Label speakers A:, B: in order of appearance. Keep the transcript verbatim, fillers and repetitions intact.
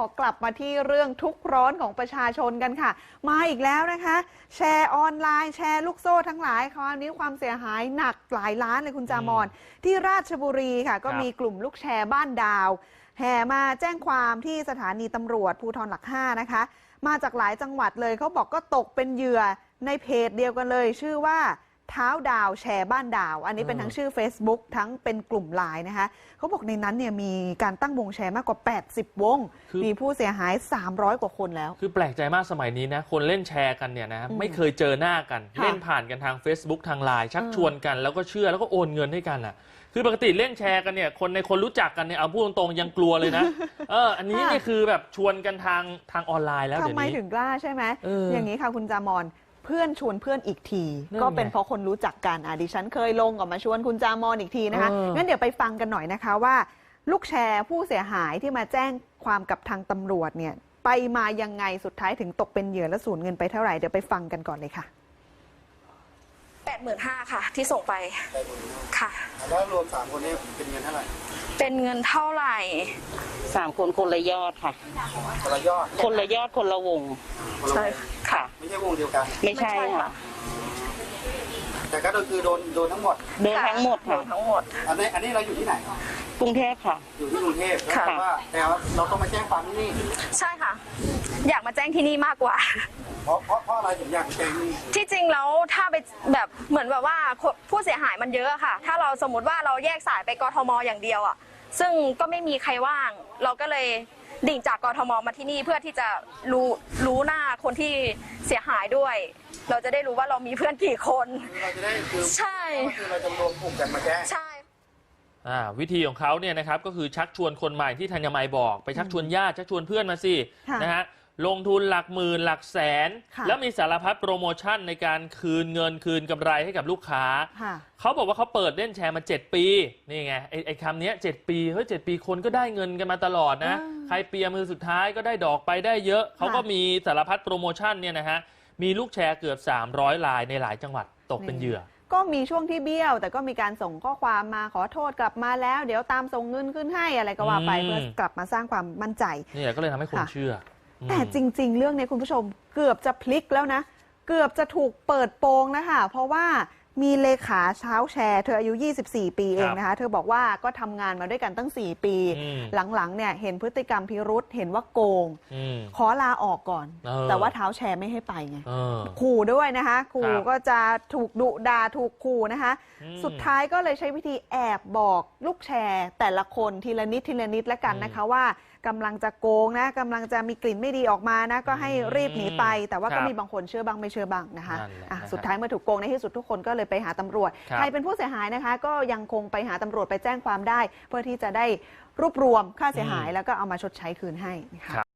A: กลับมาที่เรื่องทุกข์ร้อนของประชาชนกันค่ะมาอีกแล้วนะคะแชร์ออนไลน์แชร์ลูกโซ่ทั้งหลายคราวนี้ความเสียหายหนักหลายล้านเลยคุณจามอนที่ราชบุรีค่ะก็มีกลุ่มลูกแชร์บ้านดาวแห่มาแจ้งความที่สถานีตำรวจภูธรหลักห้านะคะมาจากหลายจังหวัดเลยเขาบอกก็ตกเป็นเหยื่อในเพจเดียวกันเลยชื่อว่าเท้าดาวแชร์บ้านดาวอันนี้เป็นทั้งชื่อ Facebook ทั้งเป็นกลุ่มไลน์นะคะเขาบอกในนั้นเนี่ยมีการตั้งวงแชร์มากกว่าแปดสิบวงมีผู้เสียหายสามร้อยกว่าคนแล้วคือ
B: แปลกใจมากสมัยนี้นะคนเล่นแชร์กันเนี่ยนะไม่เคยเจอหน้ากันเล่นผ่านกันทาง Facebook ทางไลน์ชักชวนกันแล้วก็เชื่อแล้วก็โอนเงินให้กันอ่ะคือปกติเล่นแชร์กันเนี่ยคนในคนรู้จักกันเนี่ยเอาพูดตรงๆยังกลัวเลยนะเอออันนี้นี่คือแบบชวนกันทางทางออนไลน์แล้วเดี๋ยวนี้
A: ทำไมถึงกล้าใช่ไหม อ, อย่างนี้ค่ะคุณจามอนเพื่อนชวนเพื่อนอีกทีก็เป็นเพราะคนรู้จักกันอ่ะดิฉันเคยลงออกมาชวนคุณจามอนอีกทีนะคะงั้นเดี๋ยวไปฟังกันหน่อยนะคะว่าลูกแชร์ผู้เสียหายที่มาแจ้งความกับทางตำรวจเนี่ยไปมายังไงสุดท้ายถึงตกเป็นเหยื่อและสูญเงินไปเท่าไหร่เดี๋ยวไปฟังกันก่อนเลยค่ะ
C: แปดหมื่นห้าค่ะที่ส่งไปค่ะ
D: แล้วรวมสามคนนี้เป็นเงินเท่าไหร่
C: เป็นเงินเท่าไหร่
E: สามคนคนละยอดค่ะ
D: คนละยอด
E: คนละยอดคนละวง
C: ใช่ค่ะ
D: ไม่ใช่วงเดียวกัน
E: ไม่ใช่ค่ะ
D: แต่ก็คือโดนโดนทั้งหมด
E: โดนทั้งหมดค่ะ
C: ทั้งหมด
D: อันนี้อันนี้เราอยู่ที่ไหน
E: กรุงเทพค่ะ
D: อยู่ที่กรุงเทพแต่ว่าแต่เราต้องมาแจ้งความที่นี่
C: ใช่ค่ะอยากมาแจ้งที่นี่มากกว่า
D: เพราะเพราะเพราะอะไรถึงอยากแจ้งนี่
C: ที่จริงแล้วถ้าไปแบบเหมือนแบบว่าผู้เสียหายมันเยอะค่ะถ้าเราสมมติว่าเราแยกสายไปกทมอย่างเดียวอ่ะซึ่งก็ไม่มีใครว่างเราก็เลยดิ่งจากกทมมาที่นี่เพื่อที่จะรู้รู้หน้าคนที่เสียหายด้วยเราจะได้รู้ว่าเรามีเพื่อนกี่คน
D: เราจะได้คือ
C: ใช่
D: คือเราจะรวมกลุ่มกันมาแจ้ง
C: ใช่
B: วิธีของเขาเนี่ยนะครับก็คือชักชวนคนใหม่ที่ธัญมัยบอกไปชักชวนญาติชักชวนเพื่อนมาสินะฮะลงทุนหลักหมื่นหลักแสนแล้วมีสารพัดโปรโมชั่นในการคืนเงินคืนกำไรให้กับลูกค้าเขาบอกว่าเขาเปิดเล่นแชร์มาเจ็ดปีนี่ไงไอ้ไอ้คำนี้เจ็ดปีเฮ้ยเจ็ดปีคนก็ได้เงินกันมาตลอดนะใครเปียมือสุดท้ายก็ได้ดอกไปได้เยอะเขาก็มีสารพัดโปรโมชั่นเนี่ยนะฮะมีลูกแชร์เกือบสามร้อยรายในหลายจังหวัดตกเป็นเหยื่อ
A: ก็มีช่วงที่เบี้ยวแต่ก็มีการส่งข้อความมาขอโทษกลับมาแล้วเดี๋ยวตามส่งเงินขึ้นให้อะไรก็ว่าไปเพื่อกลับมาสร้างความมั่นใจ
B: นี่ก็เลยทำให้คนเชื่อ
A: แต่จริงๆเรื่องนี้คุณผู้ชมเกือบจะพลิกแล้วนะเกือบจะถูกเปิดโปงนะคะเพราะว่ามีเลขาเช้าแชร์เธออายุยี่สิบสี่ปีเองนะคะเธอบอกว่าก็ทำงานมาด้วยกันตั้งสี่ปีหลังๆเนี่ยเห็นพฤติกรรมพิรุษเห็นว่าโกงขอลาออกก่อนแต่ว่าเท้าแชร์ไม่ให้ไปไงขู่ด้วยนะคะขู่ก็จะถูกดุด่าถูกขู่นะคะสุดท้ายก็เลยใช้วิธีแอบบอกลูกแชร์แต่ละคนทีละนิดทีละนิดแล้วกันนะคะว่ากำลังจะโกงนะกำลังจะมีกลิ่นไม่ดีออกมานะก็ให้รีบหนีไปแต่ว่าก็มีบางคนเชื่อบ้างไม่เชื่อบ้างนะคะสุดท้ายเมื่อถูกโกงในที่สุดทุกคนก็เลยไปหาตำรวจใครเป็นผู้เสียหายนะคะก็ยังคงไปหาตำรวจไปแจ้งความได้เพื่อที่จะได้รวบรวมค่าเสียหายแล้วก็เอามาชดใช้คืนให้นะคะ